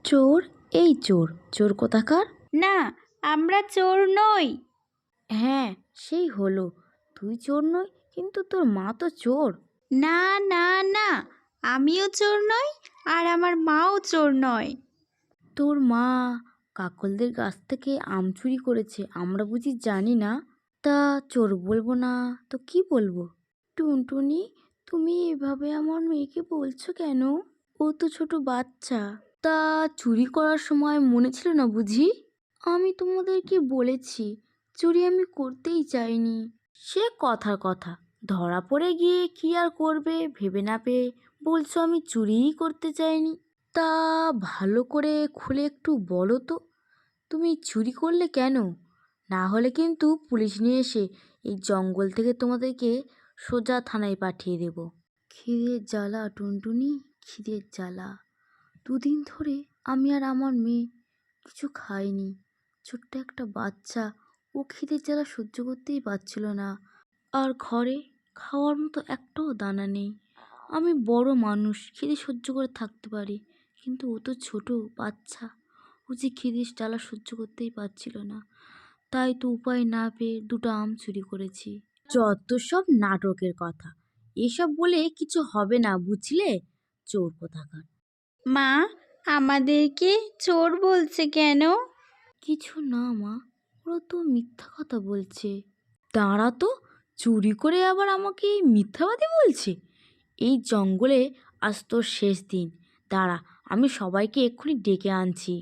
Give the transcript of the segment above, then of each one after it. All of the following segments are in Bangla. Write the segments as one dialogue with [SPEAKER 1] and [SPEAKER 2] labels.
[SPEAKER 1] চোর? এই চোর, চোর কোথাকার?
[SPEAKER 2] না, আমরা চোর নই।
[SPEAKER 1] হ্যাঁ, সেই হলো, তুই চোর নই, কিন্তু তোর মা তো চোর।
[SPEAKER 2] না না না, আমিও চোর নই আর আমার মাও চোর নয়।
[SPEAKER 1] তোর মা কাকলদের গাছ থেকে আম চুরি করেছে, আমরা বুঝি জানি না? তা চোর বলবো না তো কি বলবো? টুনটুনি, তুমি এভাবে আমার মেয়েকে বলছো কেন? ও তো ছোট বাচ্চা। তা চুরি করার সময় মনে ছিল না বুঝি? আমি তোমাদেরকে বলেছি চুরি আমি করতেই চাইনি। সে কথার কথা, ধরা পড়ে গিয়ে কি আর করবে ভেবে না পেয়ে বলছো আমি চুরিই করতে চাইনি। তা ভালো করে খুলে একটু বলো তো, তুমি চুরি করলে কেন? না হলে কিন্তু পুলিশ নিয়ে এসে এই জঙ্গল থেকে তোমাদেরকে সোজা থানায় পাঠিয়ে দেব। খিদের জ্বালা টুনটুনি, খিদের জ্বালা। দুদিন ধরে আমি আর আমার মেয়ে কিছু খাইনি। ছোট্ট একটা বাচ্চা, ও খিদের জ্বালা সহ্য করতেই পারছিল না। আর ঘরে খাওয়ার মতো একটাও দানা নেই। আমি বড় মানুষ, খিদে সহ্য করে থাকতে পারি, কিন্তু ও তো ছোট বাচ্চা, ও যে খিদের জ্বালা সহ্য করতেই পারছিল না। তাই তো উপায় না পেয়ে দুটো আম চুরি করেছি। যত সব নাটকের কথা, এসব বলে কিছু হবে না বুঝলে, চোর কোথাকার।
[SPEAKER 2] মা, আমাদেরকে চোর বলছে কেন?
[SPEAKER 1] কিছু না মা, ওরা তো মিথ্যা কথা বলছে। তারা তো চুরি করে আবার আমাকে মিথ্যাবাদী বলছে। এই জঙ্গলে আজ তোর শেষ দিন, দাঁড়া আমি সবাইকে এক্ষুনি ডেকে আনছি।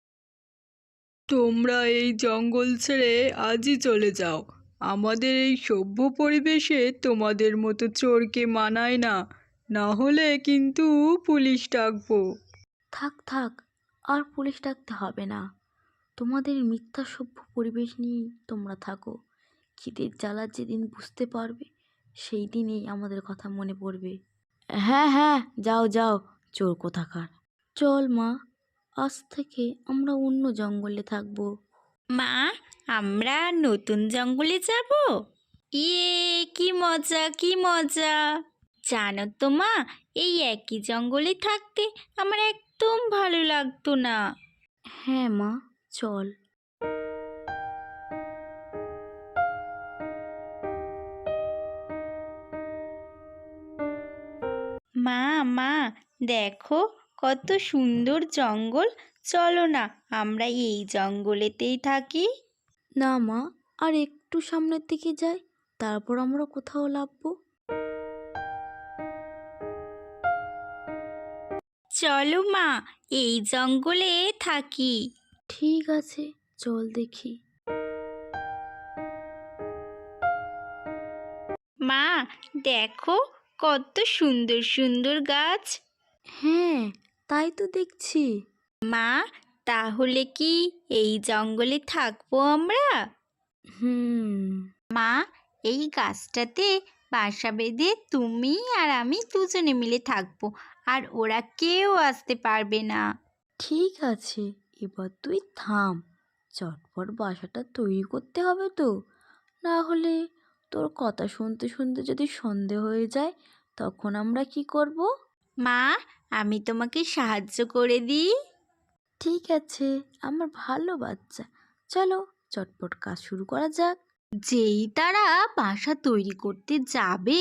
[SPEAKER 3] তোমরা এই জঙ্গল ছেড়ে আজই চলে যাও। আমাদের এই সভ্য পরিবেশে তোমাদের মতো চোরকে মানায় না, না হলে কিন্তু পুলিশ ডাকবো।
[SPEAKER 1] থাক থাক, আর পুলিশ ডাকতে হবে না। তোমাদের মিথ্যা সভ্য পরিবেশ নিয়েই তোমরা থাকো। খিদের জ্বালা যেদিন বুঝতে পারবে সেই দিনেই আমাদের কথা মনে পড়বে। হ্যাঁ হ্যাঁ, যাও যাও, চোর কোথাকার। চল মা, আজ থেকে আমরা অন্য জঙ্গলে থাকবো।
[SPEAKER 2] মা, আমরা নতুন জঙ্গলে যাব? ইয়ে, কি মজা কি মজা! জানো তো মা, এই একই জঙ্গলে থাকতে আমার একদম ভালো লাগতো না।
[SPEAKER 1] হ্যাঁ মা, চল।
[SPEAKER 2] মা মা, দেখো কত সুন্দর জঙ্গল। চলো না, আমরা এই জঙ্গলেতেই থাকি।
[SPEAKER 1] না মা, আর একটু সামনের দিকে যাই, তারপর আমরা কোথাও লাভবো।
[SPEAKER 2] চলো মা, এই জঙ্গলে থাকি।
[SPEAKER 1] ঠিক আছে, চল দেখি।
[SPEAKER 2] মা, দেখো কত সুন্দর সুন্দর গাছ।
[SPEAKER 1] হ্যাঁ, তাই তো দেখছি।
[SPEAKER 2] মা, তাহলে কি এই জঙ্গলে থাকবো আমরা?
[SPEAKER 1] হুম।
[SPEAKER 2] মা, এই গাছটাতে বাসা বেঁধে তুমি আর আমি দুজনে মিলে থাকবো, আর ওরা কেউ আসতে পারবে না।
[SPEAKER 1] ঠিক আছে, এবার তুই থাম। চটপট বাসাটা তৈরি করতে হবে তো, না হলে তোর কথা শুনতে শুনতে যদি সন্ধে হয়ে যায় তখন আমরা কি করব?
[SPEAKER 2] মা, আমি তোমাকে সাহায্য করে দিই।
[SPEAKER 1] ঠিক আছে, আমার ভালো বাচ্চা, চলো চটপট কাজ শুরু করা যাক।
[SPEAKER 2] যেই তারা বাসা তৈরি করতে যাবে,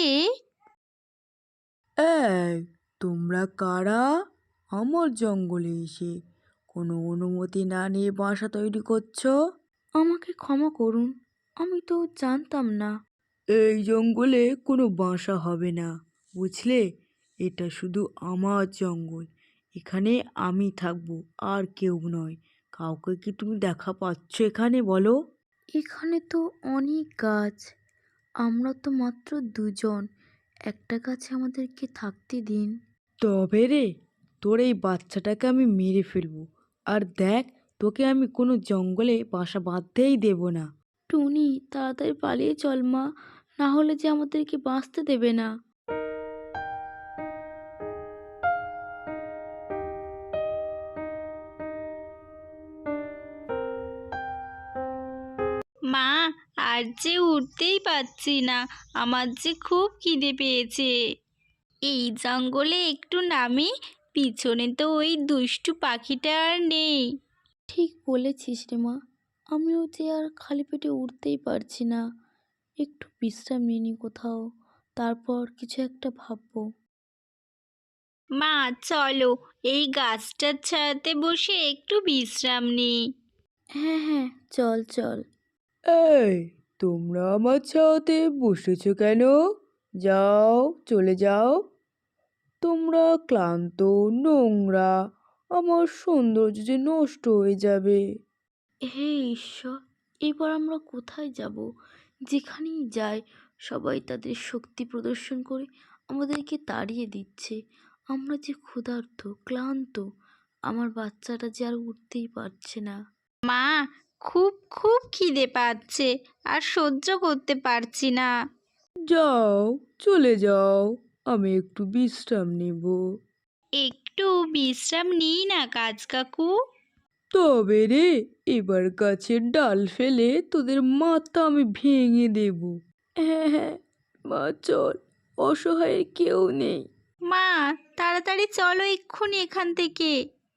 [SPEAKER 3] এই, তোমরা কারা? আমার জঙ্গলে এসে কোনো অনুমতি না নিয়ে বাসা তৈরি করছো?
[SPEAKER 1] আমাকে ক্ষমা করুন, আমি তো জানতাম না।
[SPEAKER 3] এই জঙ্গলে কোনো বাসা হবে না, বুঝলে? এটা শুধু আমার জঙ্গল, এখানে আমি থাকবো আর কেউ নয়। কাউকে কি তুমি দেখা পাচ্ছ এখানে, বলো?
[SPEAKER 1] এখানে তো অনেক গাছ, আমরা তো মাত্র দুজন, একটা গাছে আমাদেরকে থাকতে দিন।
[SPEAKER 3] তবে রে, তোর এই বাচ্চাটাকে আমি মেরে ফেলবো, আর দেখ, তোকে আমি কোনো জঙ্গলে বাসা বাঁধতেই দেব না।
[SPEAKER 1] টুনি, তাড়াতাড়ি পালিয়ে চল মা, না হলে যে আমাদেরকে বাঁচতে দেবে না।
[SPEAKER 2] মা, আর যে উঠতেই পারছি না, আমার যে খুব খিদে পেয়েছে। এই জঙ্গলে একটু নামি, পিছনে তো ওই দুষ্টু পাখিটা আর নেই।
[SPEAKER 1] ঠিক বলেছিস রে মা, আমিও যে আর খালি পেটে উঠতেই পারছি না। একটু বিশ্রাম নিয়ে নি কোথাও, তারপর কিছু একটা ভাববো।
[SPEAKER 2] মা চলো, এই গাছটার ছায়াতে বসে একটু বিশ্রাম নিই।
[SPEAKER 1] হ্যাঁ হ্যাঁ, চল চল।
[SPEAKER 3] এই, তোমরা আমার ছাওয়াতে বসেছো কেন? যাও, চলে যাও। তোমরা ক্লান্ত, নোংরা, আমার সৌন্দর্য যে নষ্ট হয়ে যাবে।
[SPEAKER 1] হে ঈশ্বর, এবার আমরা কোথায় যাব? যেখানেই যাই সবাই তাদের শক্তি প্রদর্শন করে আমাদেরকে তাড়িয়ে দিচ্ছে। আমরা যে ক্ষুধার্ত, ক্লান্ত, আমার বাচ্চাটা যে আর উঠতেই পারছে না।
[SPEAKER 2] মা, খুব খুব খিদে পাচ্ছে, আর সহ্য করতে পারছি না।
[SPEAKER 3] যাও, চলে যাও, আমি একটু বিশ্রাম নেব।
[SPEAKER 2] একটু বিশ্রাম নিই না কাজ কাকু।
[SPEAKER 3] তবে রে, এবার গাছের ডাল ফেলে তোদের মাথা আমি ভেঙে দেব। হ্যাঁ হ্যাঁ, মা চল, অসহায় কেউ নেই।
[SPEAKER 2] মা, তাড়াতাড়ি চলো এক্ষুনি এখান থেকে।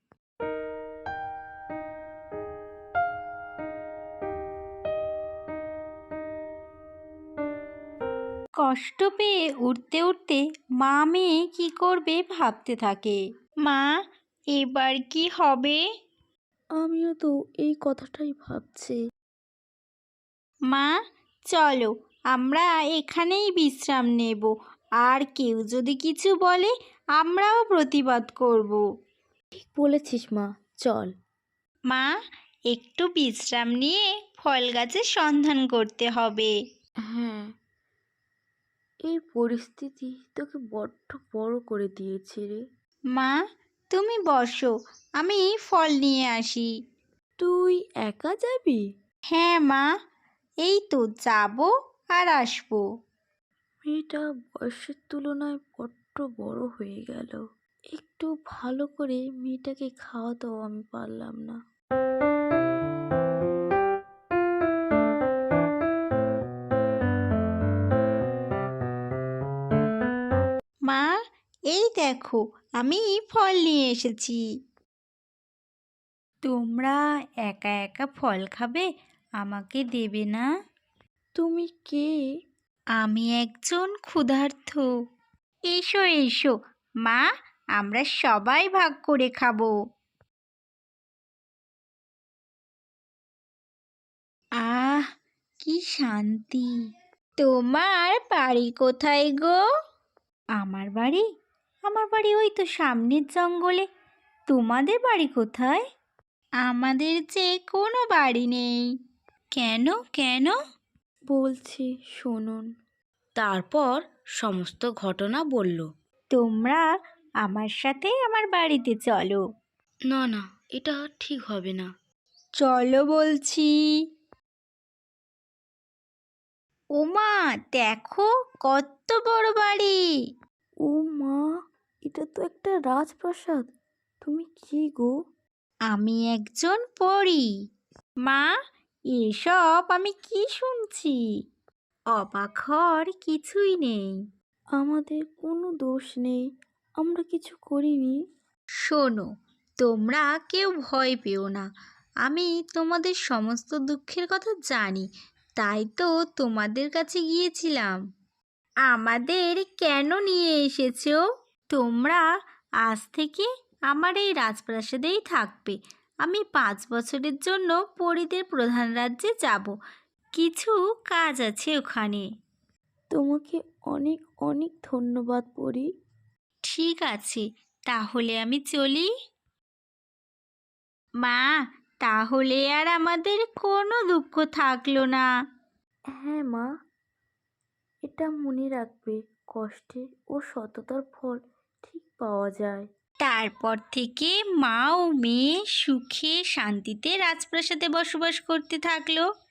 [SPEAKER 2] কষ্ট পেয়ে উঠতে উঠতে মা মেয়ে কি করবে ভাবতে থাকে। মা, এবার কি হবে?
[SPEAKER 1] আমিও তো এই কথাটাই ভাবছি।
[SPEAKER 2] মা চলো, আমরা এখানেই বিশ্রাম নেব, আর কেউ যদি কিছু বলে আমরাও প্রতিবাদ করব।
[SPEAKER 1] ঠিক বলেছিস মা, চল।
[SPEAKER 2] মা, একটু বিশ্রাম নিয়ে ফল গাছের সন্ধান করতে হবে।
[SPEAKER 1] হ্যাঁ, এই পরিস্থিতি তোকে বড্ড বড় করে দিয়েছে রে।
[SPEAKER 2] মা, তুমি বসো, আমি ফল নিয়ে আসি।
[SPEAKER 1] তুই একা যাবি?
[SPEAKER 2] হ্যাঁ মা, এই তো যাবো আর আসবো।
[SPEAKER 1] মেয়েটা বয়সের তুলনায় বড্ড বড় হয়ে গেল। একটু ভালো করে মেয়েটাকে খাওয়াতেও আমি পারলাম না।
[SPEAKER 2] মা, এই দেখো, আমি ফল নিয়ে এসেছি। তোমরা একা একা ফল খাবে, আমাকে দেবে না?
[SPEAKER 1] তুমি কে?
[SPEAKER 2] আমি একজন ক্ষুধার্ত। এসো এসো মা, আমরা সবাই ভাগ করে খাবো। আহ, কি শান্তি! তোমার বাড়ি কোথায় গো? আমার বাড়ি ওই তো সামনের জঙ্গলে। তোমাদের বাড়ি কোথায়? আমাদের যে কোনো বাড়ি নেই। কেন কেন?
[SPEAKER 1] বলছি, শুনুন। তারপর সমস্ত ঘটনা বলল।
[SPEAKER 2] তোমরা আমার সাথে আমার বাড়িতে চলো।
[SPEAKER 1] না না, এটা ঠিক হবে না।
[SPEAKER 2] চলো বলছি। ওমা, দেখো কত বড় বাড়ি!
[SPEAKER 1] ও মা, এটা তো একটা রাজপ্রাসাদ। তুমি কি গো?
[SPEAKER 2] আমি একজন পরী। মা, এসব আমি কি শুনছি? অবাক হওয়ার কিছুই নেই।
[SPEAKER 1] আমাদের কোনো দোষ নেই, আমরা কিছু করিনি।
[SPEAKER 2] শোনো, তোমরা কেউ ভয় পেও না। আমি তোমাদের সমস্ত দুঃখের কথা জানি, তাই তো তোমাদের কাছে গিয়েছিলাম। আমাদের কেন নিয়ে এসেছো? তোমরা আজ থেকে আমার এই রাজপ্রাসাদেই থাকবে। আমি 5 বছরের জন্য পরীদের প্রধান রাজ্যে যাব। কিছু কাজ আছে ওখানে।
[SPEAKER 1] তোমাকে অনেক অনেক ধন্যবাদ পরি।
[SPEAKER 2] ঠিক আছে, তাহলে আমি চলি। মা, তাহলে আর আমাদের কোনো দুঃখ থাকলো না।
[SPEAKER 1] হ্যাঁ মা, এটা মনে রাখবে, কষ্টে ও সততার ফল ঠিক পাওয়া যায়।
[SPEAKER 2] তারপর থেকে মা ও মেয়ে সুখে শান্তিতে রাজপ্রাসাদে বসবাস করতে থাকলো।